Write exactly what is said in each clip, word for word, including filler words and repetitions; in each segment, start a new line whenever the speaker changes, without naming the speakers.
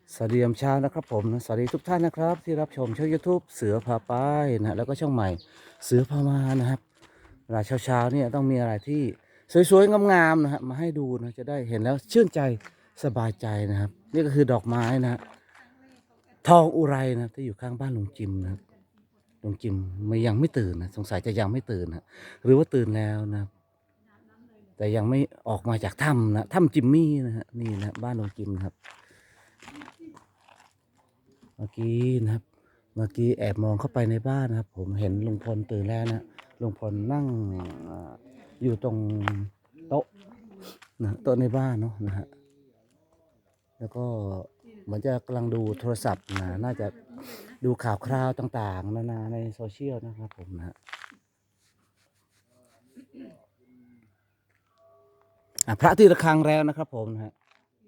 สวัสดียามเช้านะครับผมนะสวัสดีทุกท่านนะครับที่รับชมช่อง YouTube เสือพาไปนะแล้วก็ช่องใหม่เสือพามานะครับเวลาเช้าๆเนี่ยต้องมีอะไรที่สวยๆงามๆนะฮะมาให้ดูนะจะได้เห็นแล้วชื่นใจสบายใจนะครับนี่ก็คือดอกไม้นะฮะทองอุไรนะที่อยู่ข้างบ้านลุงจิมนะครับลุงจิมไม่ยังไม่ตื่นนะสงสัยจะยังไม่ตื่นนะหรือว่าตื่นแล้วนะครับแต่ยังไม่ออกมาจากถ้ำนะถ้ำจิมมี่นะฮะนี่นะบ้านลุงจิมนะครับ เมื่อกี้นะครับเมื่อกี้แอบมองเข้าไปในบ้านนะครับผมเห็นลุงพลตื่นแล้วนะลุงพลนั่งอ่าอยู่ตรงโต๊ะนะโต๊ะในบ้านเนาะนะฮะแล้วก็เหมือนจะกำลังดูโทรศัพท์นะน่าจะดูข่าวคราวต่างๆนานาในโซเชียลนะครับผมนะฮะอ่ะพระที่ระฆังแล้วนะครับผมนะฮะ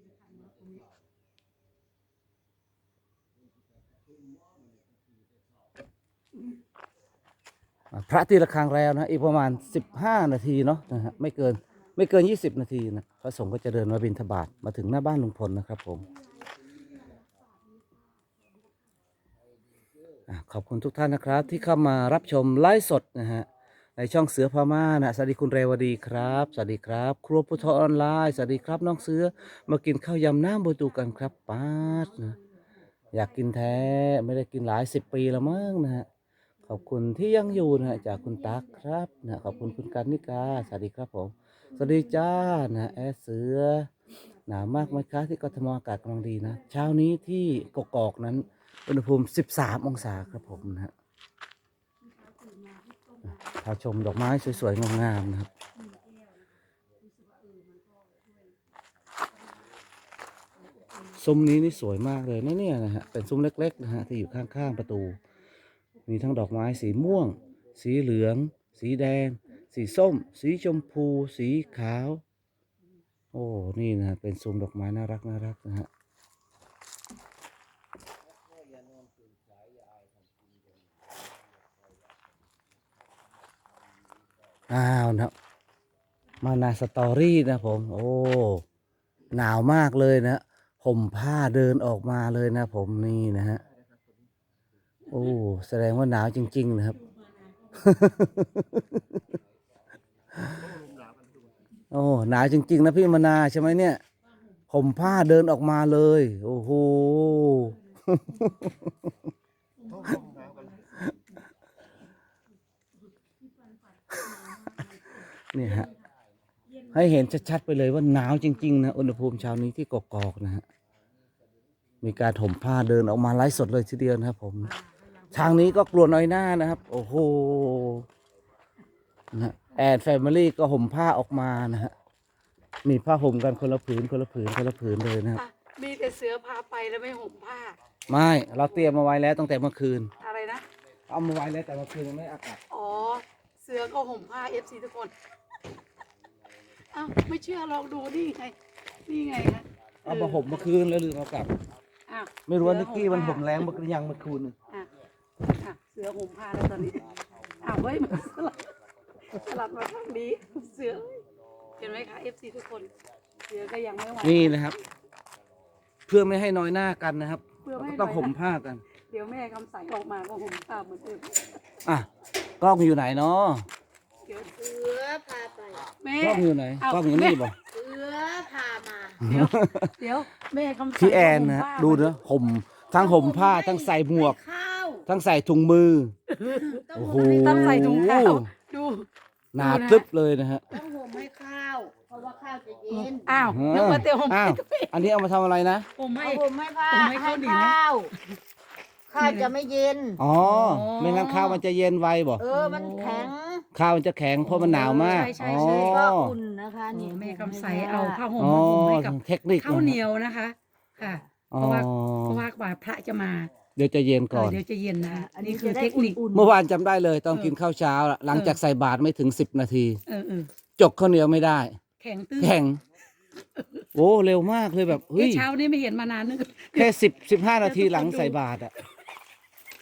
อ่ะพระตีระฆังแล้วนะอีกประมาณสิบห้านาทีเนาะนะฮะไม่เกินไม่เกินยี่สิบนาทีนะพระสงฆ์ก็จะเดินมาบิณฑบาตมาถึงหน้าบ้านลุงพลนะครับผมอ่ะขอบคุณทุกท่านนะครับที่เข้ามารับชมไลฟ์สดนะฮะในช่องเสือพม่านะสวัสดีคุณเรวดีครับสวัสดีครับครัวพุทธออนไลน์สวัสดีครับน้องเสือมากินข้าวยำน้ำบูตูกันครับป้าดนะอยากกินแท้ไม่ได้กินหลายสิบปีแล้วมั้งนะฮะ ขอบคุณที่ยังอยู่นะฮะจากคุณตั๊กครับนะขอบคุณคุณกันนิกาสวัสดีครับผมสวัสดีจ้านะแอดเสือหนาวมากไหมคะที่กทมอากาศกำลังดีนะเช้านี้ที่กกอกนั้นอุณหภูมิสิบสามองศาครับผมนะฮะพาชมดอกไม้สวยๆงามๆนะครับซุ้มนี้นี่สวยมากเลยนะเนี่ยนะฮะเป็นซุ้มเล็กๆนะฮะที่อยู่ข้างๆประตูมีทั้งดอกไม้สีม่วงสีเหลืองสีแดงสีส้มสีชมพูสีขาวโอ้นี่นะเป็นซุ้มดอกไม้น่ารักน่ารักนะฮะอ้าวนะมานาสตอรี่นะผมโอ้หนาวมากเลยนะห่มผ้าเดินออกมาเลยนะผมนี่นะฮะโอ้แสดงว่าหนาวจริงๆนะครับ โอ้หนาวจริงๆนะพี่มนาใช่ไหมเนี่ยห่มผ้าเดินออกมาเลยโอ้โห เนี่ยฮะให้เห็นชัดๆไปเลยว่าหนาวจริงๆนะอุณหภูมิเช้านี้ที่กกอกนะฮะมีการห่มผ้าเดินออกมาไลฟ์สดเลยทีเดียวนะครับผมทางนี้ก็กลัวน้อยหน้านะครับโอ้โหนะแอนแฟมิลี่ก็ห่มผ้าออกมานะฮะมีผ้าห่มกันคนละผืนคนละผืนคนละผืนเลยนะครับ
อ่ะมีแต่เสือพาไปแล้วไม่ห่มผ้า
ไม่เราเตรียมมาไว้แล้วตั้งแต่เมื่อคืน
อะไรนะ
เอามาไว้แล้วแต่เมื่อคืนยังไม่อากาศ
อ๋อเสือก็ห่มผ้าเอฟซีทุกคนอ้าวไม่เชื่อลองดูนี่ไงนี่ไงนะ
เอามาห่มเมื่อคืนแล้วลืมเอากลับ
อ้าว
ไม่รู้ว่านิกกี้มันห่มแรงเมื่อคืนยังเมื่อคืนนึง
อ่ะอ่ะเสือห่มผ้าแล้วตอนนี้อ้าวเฮ้ยมันสลัดสลัดมาทางนี้เสือเห็นไหมคะเอฟซีทุกคนเสือก็ยังไม่ไหว
นี่นะครับ เพื่อไม่ให้น้อยหน้ากันนะครับก็ต้องห่มผ้ากัน
เดี๋ยวแม่คำใสออกมาก็ห่มผ้าเหมือนเดิม
อ่ะกล้องอยู่ไหนเนาะ
เดี๋ยวเสือพาไปแม่
กล้องอยู่ไหนกล้องอยู่นี่บ่
เสือพามาเดี๋ยวเดี๋ยวแม่คำใส
พี่แอนนะดูนะห่มทั้งห่มผ้าทั้งใส่หมวกทั้งใส่ถุงมือโอ้โห
ต้องใส่ถุงเท้าดู
หนาตึ๊บเลยนะฮะ
ต้องห่มให้ข้าวเพราะว่าข้าวจะเย็น
อ้าวนึกว่าเตียวห่ม
อ้าวอันนี้เอามาทำอะไรนะ
ห่มให้
ห่มให้ผ้า
ให้
ข้าวข้าวข้าวจะไม่เย็น
อ๋อไม่งั้นข้าวมันจะเย็นไวบ่
เออมันแข็ง
ข้าวมันจะแข็งเพราะมันหนาวมาก
อ๋อ
ก็อุ่นนะคะนี่
แม่คำใสเอาผ้าห่มมาห่มให้กับ
เทคนิค
ข้าวเหนียวนะคะค่ะเพราะว่าเพราะว่ากว่าพระจะมา
เดี๋ยวจะเย็นก่อน
เดี๋ยวจะเย็นนะอันนี้คือเทคนิค
เมื่อวานจำได้เลยต้องกินข้าวเช้าหลังจากใส่บาตรไม่ถึงสิบนาทีจกข้าวเหนียวไม่ได้
แข็งตื้อ
แข็งโอ้เร็วมากเลยแบบเฮ้ย
เช้านี้ไม่เห็นมานานนึก
แค่สิบสิบห้านาทีหลังใส่บาตรอ่ะ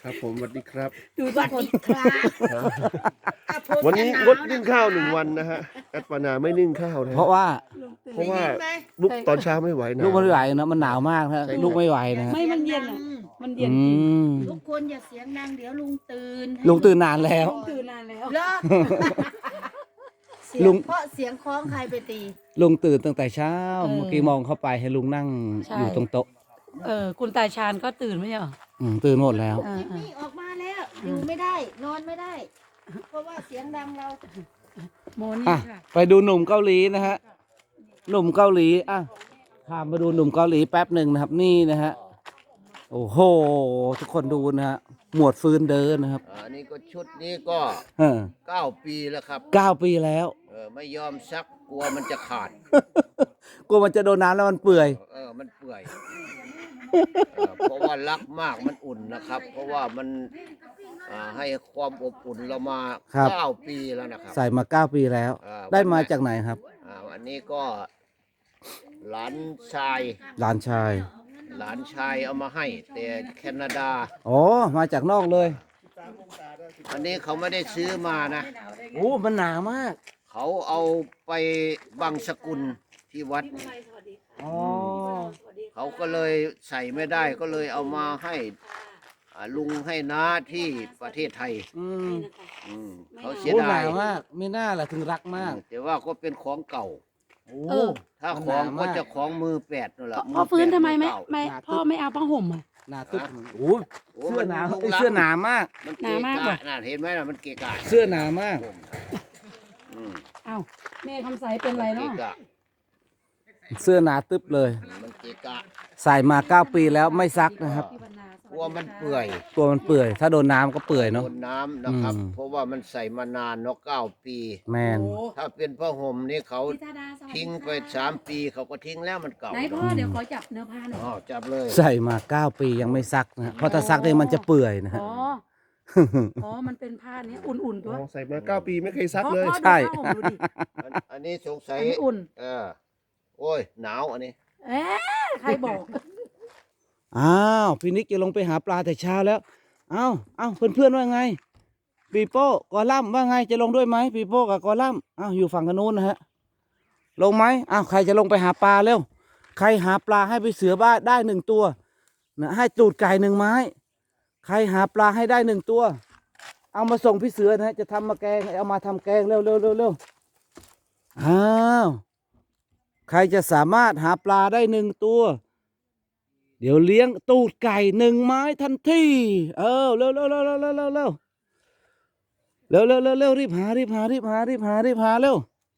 ครับผมสวัสดีครับ
ดู
ส
ทุ
วั
ก
ส
คน
ดีครับอ่ะผม
วันนี้
จะห
งดนึ่งข้าวหนึ่งวันนะฮะแอดปานาไม่นึ่งข้าวนะ
เพราะว่า
เพราะว่า
ได้ยินไหม
ลุกตอนเช้าไม่ไหวหนาว
ลูกไม่ไหวนะมันหนาวมากนะ
ใช่
ลูกไม่ไหวนะฮะ
ไม่มันเย็นอ่ะ มันเย็
อื
นจริง
ม
ทุกคนอย่าเสียงดังเดี๋ยวลุงตื่นให้
ลุงตื่นนานแล้ว
ตื่นนานแล้ว
เหรอเสี
ลุ
ยง
ง
เพราะเสียงคล้องใครไปตี
ลุงตื่นตั้งแต่เช้า
เออ
เมื่อกี้มองเข้าไปให้ลุงนั่ง
ใช่
อยู่ตรงโต๊ะ
เออคุณตาชาญก็ตื่นไม่ใช่เหรอ
อืมตื่นหมดแล้ว
เออ
จิม
เออ
มี่ออกมาแล้ว อยู่ไม่ได้ นอนไม่ได้ เพราะว่าเสียงดังเรา
โมนี่
อ่ะ
ค่ะ
ไปดูหนุ่มเกาหลีนะฮะ หนุ่มเกาหลีอ่ะข้ามมาดูหนุ่มเกาหลีแป๊บหนึ่งนะครับ นี่นะฮะ โอ้โห ทุกคนดูนะฮะ หมวดฟืนเดินนะครับ
อันนี้ก็ชุดนี้ก็
เออ
เก้าปีแล้วครับ
เก้าปีแล้ว
เออไม่ยอมซักกลัวมันจะขาด
กลัวมันจะโดนน้ำแล้วมันเปื่อย
เออมันเปื่อยเออเพราะว่ารักมากมันอุ่นนะครับ เพราะว่ามันอ่าให้ความอบอุ่นเรามา
ครับ
เก้าปีแล้วนะครับ
ใส่มาเก้าปีแล้ว
อ่า
ได้มาจากไหนครับ
อ่าอันนี้ก็หลานชาย
หลานชาย
หลานชายเอามาให้ แต่แคนาดา
อ๋อ มาจากนอกเลย
อันนี้เขาไม่ได้ซื้อมานะ
โอ้ มันหนามาก
เขาเอาไปบังสกุลที่วัด
อ๋อ
เขาก็เลยใส่ไม่ได้ก็เลยเอามาให้อ่าลุงให้น้าที่ประเทศไทย
อืม
อืมเขาเสีย
โอ้ห
ดาน
าย มาก ไม่น่าล่ะถึงรักมาก
แต่ว่าก็เป็นของเก่า
โอ้
เออ
ถ้า
มัน
ข
ห
อง
นามาก
ก็จะของมือแปดนั่นแหละ
พ่อฟื้นทำไมไม่
เก่า
ไม่
หนาตึ๊บ
พ่อไม่เอาผ้าห่มอ่ะ
หนาตึ๊บโอ้
โอ้
เสื้อหนา
มั
เอ้ย
ลุงรัก
เสื้อหนามาก
มัน
หนามาก
เกะ
ว่ะ
กะน่ะเห็นไหมน่ะมันเกะกะ
เสื้อหนามาก
อืม
เอ้าแม่คำใสเป็นไร
เกะ
เนาะ
กะ
เสื้อหนาตึ๊บเลย
มันเกะกะ
ใส่มาเก้าปีแล้วไม่ซักนะครับ
กลัวมันเปื่อย
ตัวมันเปื่อย ถ้าโดนน้ำก็เปื่อยเนาะ
โดนน้ำนะครับ
อืม
เพราะว่ามันใส่มานานเนาะเก้าปี
แมน
โอ้
ถ้าเป็นผ้าห่มนี่เขา
พี่ธาดาสวัสดี
ทิ้งไป
ค่ะ
สามปีเขาก็ทิ้งแล้วมันเก่า
ไหนพ่อเดี๋ยวขอจับเนื้อผ้าหน่อย
อ๋อจับเลย
ใส่มาเก้าปียังไม่ซักนะฮะเพราะถ้าซักเนี่ยมันจะเปื่อยนะฮะ
อ๋อ อ๋อ มันเป็นผ้านี้อุ่นๆตัว
อ๋อใส่มาเก้าปีไม่เคยซักเลย
พ่อ
ใช่
ดูผ้าห่มดูดิ
อันอันนี้สงสัย
อันนี้อุ่น
เออโอ้ยหนาวอันนี้
เอ๊ะใครบอก
อ้าวพี่นิกจะลงไปหาปลาแต่เช้าแล้ว เอ้าเอ้าเพื่อนๆว่าไง ปีโป้กอลัมน์ว่าไงจะลงด้วยไหมปีโป้กับกอลัมน์อ้าวอยู่ฝั่งกันนู้นนะฮะ ลงไหมอ้าวใครจะลงไปหาปลาเร็ว ใครหาปลาให้ไปเสือบ้านได้หนึ่งตัวนะให้ตูดไก่หนึ่งไม้ ใครหาปลาให้ได้หนึ่งตัว เอามาส่งพี่เสือนะฮะจะทำมาแกงเอามาทำแกงเร็วเร็วเร็วเร็วอ้าวใครจะสามารถหาปลาได้หนึ่งตัว เดี๋ยวเลี้ยงตูดไก่หนึ่งไม้ทันทีเออเร็วเร็วเร็วเร็วเร็วเร็วเร็วเร็วเร็วเร็วเร็วรีบหารีบหารีบหารีบหารีบหาเร็ว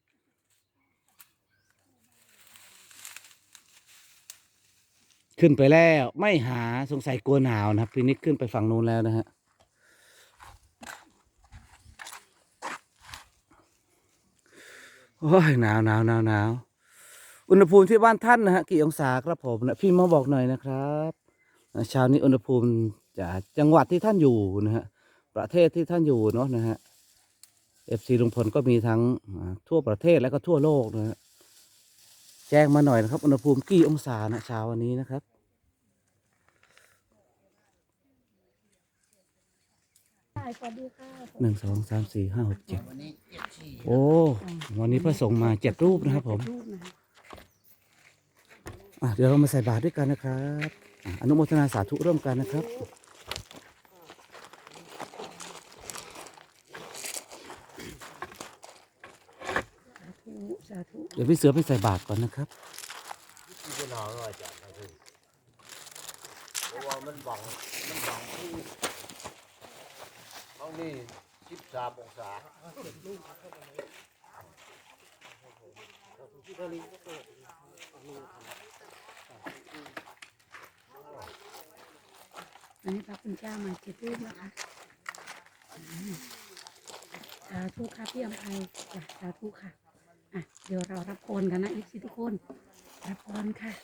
ขึ้นไปแล้วไม่หาสงสัยกลัวหนาวนะครับพี่นิกขึ้นไปฝั่งนู้นแล้วนะฮะโอ้ยหนาวหนาวหนาวหนาวอุณหภูมิที่บ้านท่านนะฮะกี่องศาครับผมนะพี่มาบอกหน่อยนะครับเช้านี้อุณหภูมิจากจังหวัดที่ท่านอยู่นะฮะประเทศที่ท่านอยู่เนาะนะฮะเอฟซีลุงพลก็มีทั้งทั่วประเทศและก็ทั่วโลกนะฮะแจ้งมาหน่อยนะครับอุณหภูมิกี่องศานะเช้าวันนี้นะครับหนึ่งสองสามสี่ห้าหกเจ็ด
วันนี้เจ็ดสี่
โอ้วันนี้พระสงฆ์มาเจ็ดรูปนะครับผม
รูปนะคะ
อ่ะเดี๋ยวเรามาใส่บาตรด้วยกันนะครับอ่ะอนุโมทนาสาธุร่วมกันนะครับ
สาธุ
เดี๋ยวพี่เสือไปใส่บาตรก่อนนะครับ
ที่เป็นหนาวหน่อยจ้ะนะคือเพราะว่ามันบังมันบังที่ห้องนี้สิบสามองศา
อันนี้พระคุณเจ้ามาเจ็ดรูปนะคะอืมสาธุค่ะพี่อภัยจ้ะสาธุค่ะอ่ะ เดี๋ยวเรารับพรกันนะอีกสิทุกคน รับพรค่ะ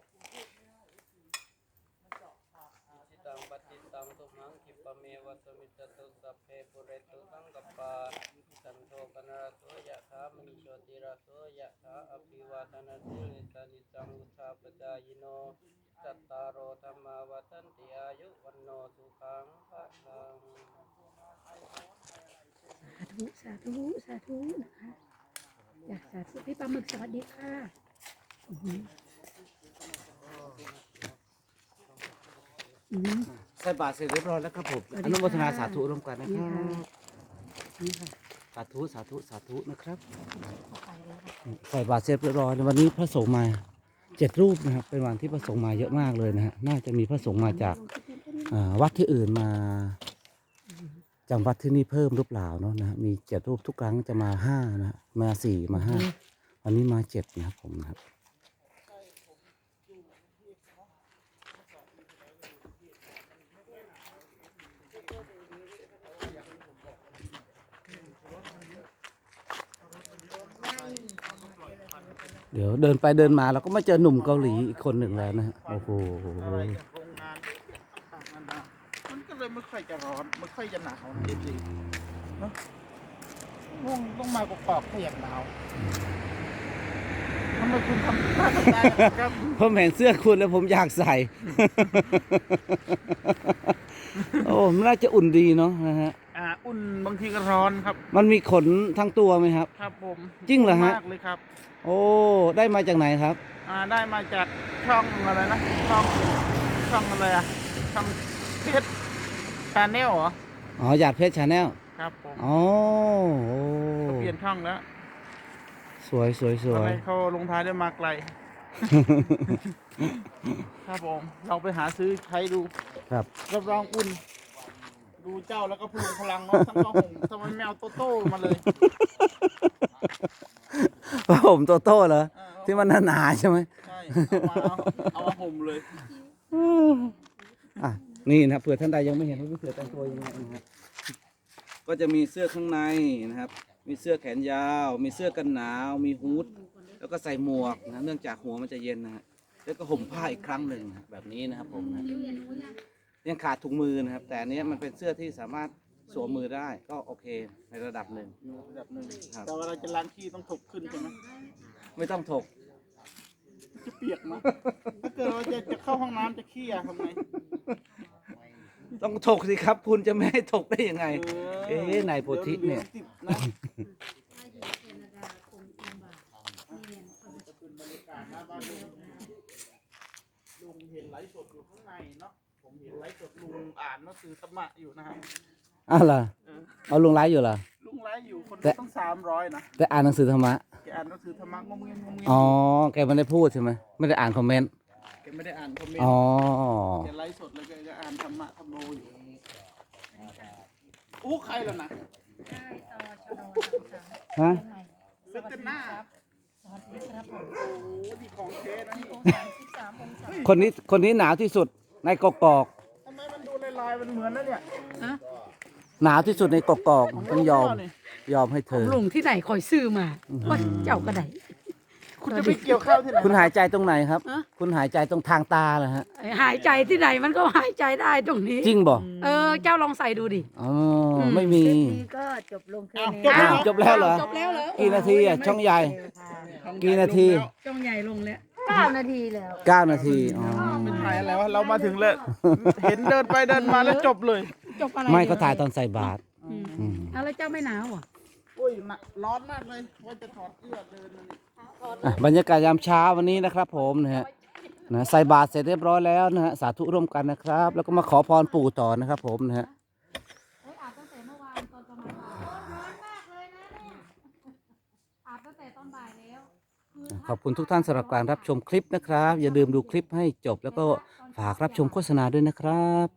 จิตังปฏิตังตุมังคิปะเมวัสมิจตุสัพเพปุเรตุสังกปปาสันโทปนรสโสยะถามณิโชติระโสยะถาอภิวาทนาสิริสานิจังวุธาปจายโนจัตตารโอธรรมาวัฏันติอายุวันโนสุขังพลัง
สาธุ สาธุ นะคะอยากสาธุพี่ปลาหมึกสวัสดีค่ะอือหืออืม
ใส่บาตรเสร็จเรียบร้อยแล้วครับผม
สวัส
อ
ดี
นุโมทนา
ค่ะ
สาธุร่วมกันนะค
นี่
รับ
ค่ะนี่ค่ะ
สาธุสาธุสาธุนะครับ
เข้าไปเลยค่ะ
ใส่บาตรเสร็จเรียบร้อยวันนี้พระสงฆ์มาเจ็ดรูปนะครับ เป็นวันที่พระสงฆ์มาเยอะมากเลยนะฮะน่าจะมีพระสงฆ์มาจากอ่าวัดที่อื่นมาจำวัดที่นี่เพิ่มหรือเปล่าเนาะนะฮะมีเจ็ดรูปทุกครั้งจะมาห้านะฮะมาสี่มาห้าวันนี้มาเจ็ดนะครับผมนะครับ เดี๋ยวเดินไปเดินมาเราก็มาเจอหนุ่มเกาหลีอีกคนหนึ่งแล้วนะฮะโอ้โห
อะไรจากโรงงานมันก็เลยไม่ค่อยจะร้อนไม่ค่อยจะหนาวนะจริงๆเนาะต้องต้องมากรอกๆถ้าอยากหนาวทำไมคุณทำท่าทำได้ครับ
ผมเห็นเสื้อคุณแล้วผมอยากใส่ โอ้มันน่าจะอุ่นดีเนาะนะฮะ
อ่าอุ่นบางทีก็ร้อนครับ
มันมีขนทั้งตัวไหมครับ
ครับผม
จริงเหรอฮะ
มากเลยครับ
โอ้ได้มาจากไหนครับ
อ่าได้มาจากช่องอะไรนะช่องช่องอะไรอะช่องเพชรชาแนลเหรอ
อ๋อหยาดเพชรชาแนล
ครับผม
อ๋อโอ้
เขาเปลี่ยนช่องแล้ว
สวยสวยสว
ทำไม
ย
เขาลงท้ายด้วยมาไกล ครับผมเราไปหาซื้อใช้ดู
ครับ
รับรองอุ่น ดูเจ้าแล้วก็พลุงพลังเนาะทั้งกระหงทำไมแมวโตโต้มาเลย
ผ้าห่มโตโต้เหรอ
เออ
ที่มันหนาๆใช่ไหม
ใช่เอามาเอาเอามาห่มเลย
อ่ะนี่นะเผื่อท่านใดยังไม่เห็นว่าพี่เสือแต่งตัวยังไงนะครับก็จะมีเสื้อข้างในนะครับ มีเสื้อแขนยาว มีเสื้อกันหนาว มีฮูดแล้วก็ใส่หมวกนะเนื่องจากหัวมันจะเย็นนะฮะแล้วก็ห่มผ้าอีกครั้งหนึ่งนะแบบนี้นะครับผมนะยังขาดถุงมือนะครับ แต่อันเนี้ยมันเป็นเสื้อที่สามารถสวมมือได้ก็โอเคในระดับหนึ่ง
ระดับหนึ่ง
ครับ
แต่เวลาจะล้างขี้ต้องถกขึ้นใช่ไหม
ไม่ต้องถก
จะเปียกมั้ยถ้าเกิดว่าจะจะเข้าห้องน้ำจะขี้อะทำไง
ต้องถกสิครับ คุณจะไม่ให้ถกได้ยังไง
เออ
เอ๊ะนายโพธิเนี่ย
ดี๋วติดนะลุงเห็นไลฟ์สดอยู่ข้างในเนาะผมเห็นไลฟ์สดลุงอ่านหนังสือธรรมะอยู่นะครับ
อ้าวเหรอ
เออ
เอาลงไลฟ์อยู่เหรอ
ลุงไลฟ์อยู่คน
แต่
เดียวต้องสามร้อยนะ
แต่อ่านหนังสือธรรมะ
แกอ่านหนังสือธรรมะงมเงียงงมเงียง
อ๋อ แกไม่ได้พูดใช่ไหม ไม่ได้อ่านคอมเมนต์
แกไม่ได้อ่านคอมเมนต์
อ๋อ
แกไลฟ์สดแล้วแกก็อ่านธรรมะธรรมโมอยู่อู้ใครล่ะนะ
ฮะ
เซตหน้าโอ้ดีของเทนะนี่
คนนี้ คนนี้หนาวที่สุดในกกอก
ทำไมมันดูลายๆมันเหมือนนะเนี่ย
หนาวที่สุดในกกอกต้องยอม
นี่
ยอมให้เธอ
ลุงที่ไหนคอยซื้อมาว่าเจ้าก็ได้
คุณจะไปเกี่ยวข้าวที่ไหน
คุณหายใจตรงไหนครับ
ฮะ
คุณหายใจตรงทางตาเหรอฮะ
หายใจที่ไหนมันก็หายใจได้ตรงนี้
จริงบ่
เออ เจ้าลองใส่ดูดิ
อ๋อ ไม่มี
นี่ก็จบลงแค่
อ้าว
นี้
จบ
อ้า
แล้ว ว
จบแล้วเหรอ
จบแล้วเหรอ
กี่นาทีอ่ะ ช่องใหญ่ กี่นาที
จ้องใหญ่ลงแล้ว
เก้านาทีแล้ว
เก้านาที อ๋อ
เป็นถ่ายอะไรวะเรามาถึงเลยเห็นเดินไปเดินมาแล้วจบเลย
จบอะไร
ไม่ก็ถ่ายตอนใส่บาตร
อืม
อืม
เอาแล้วเจ้าไม่หนาวเหรอ่ะ
อุ้ยน่ะร้อนมากเลยว่าจะถอดเสื้อเดินมานี่
อ่ะบรรยากาศยามเช้าวันนี้นะครับผมนะฮะนะใส่บาตรเสร็จเรียบร้อยแล้วนะฮะสาธุร่วมกันนะครับ แล้วก็มาขอพรปู่ต่อนะครับผมนะฮะ
อาบตั้งแต่เมื่อวานตอนประมาณบ่ายร้อนมากเลยนะเนี่ยอาบตั้งแต่ตอนบ่ายแล้ว
ขอบคุณทุกท่านสำหรับการรับชมคลิปนะครับ อย่าลืมดูคลิปให้จบแล้วก็ฝากรับชมโฆษณาด้วยนะครับ